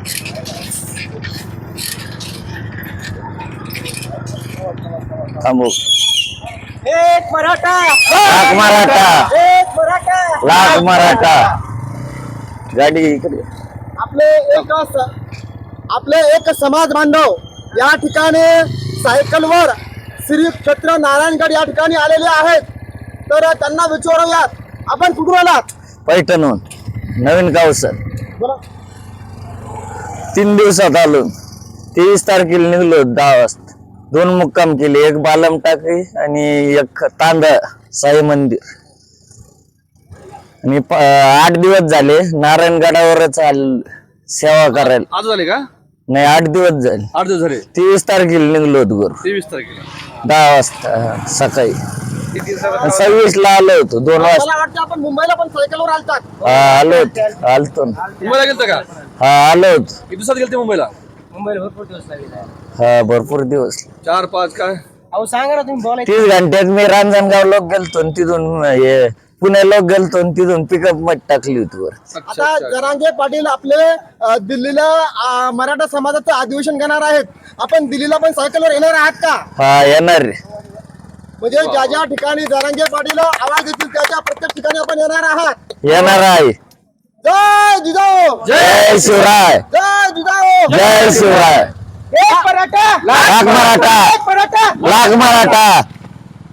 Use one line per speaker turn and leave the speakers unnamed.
थांबू.
एक मराठा,
लाख मराठा,
एक मराठा.
लाख मराठा. गाडी इकडे.
आपले एक समाज बांधव या ठिकाणी सायकलवर श्री क्षेत्र नारायणगड या ठिकाणी आलेले आहेत. तर त्यांना विचारूयात, आपण कुठून आलात?
पैठणहून. नवीन गाव सर.
बोला.
3 दिवसात आलो. 23 तारखेला निघलो 10 वाजता. 2 मुक्काम केले, एक बालम टाकळी आणि एक तांदळ साई मंदिर. आणि 8 दिवस झाले नारायणगडावरच सेवा करायला.
आज झाले का?
नाही, 8 दिवस झाले.
8 दिवस झाले.
23 तारखेला निघलो होतो घरून.
23 तारखेला
10 वाजता सकाळी.
किती दिवसात?
26 ला आलो होतो 2 वाजता.
मला वाटतं आपण मुंबईला पण सायकलवर आलतात.
हा, आलो होतो. आलतो ना.
मुंबईला गेलता का?
हा, आलो होतो.
किती दिवसात गेलते मुंबईला?
मुंबईला भरपूर दिवस लागले.
हा, भरपूर दिवस.
4-5 काय?
अहो सांगा ना तुम्ही, बोलायचं.
30 घंट्यात मी रांजणगाव लोक गेलतो आणि तिथून पुणे लोक गेलतो आणि तिथून पिकअप मध्ये टाकली होती वर.
अच्छा,
आता
अच्छा.
जरांगे पाटील आपले दिल्लीला मराठा समाजाचं अधिवेशन घेणार आहेत. आपण दिल्लीला पण सायकलवर येणार आहात का?
हा, येणार रे.
म्हणजे ज्या ज्या ठिकाणी जरांगे पाटील आवाज देतील त्या प्रत्येक ठिकाणी आपण येणार आहात.
येणार आहे.
जय जिजाऊ,
जय शिवराय,
जय जिजाऊ,
जय शिवराय.
एक मराठा,
लाख मराठा,
एक मराठा.
लाख मराठा.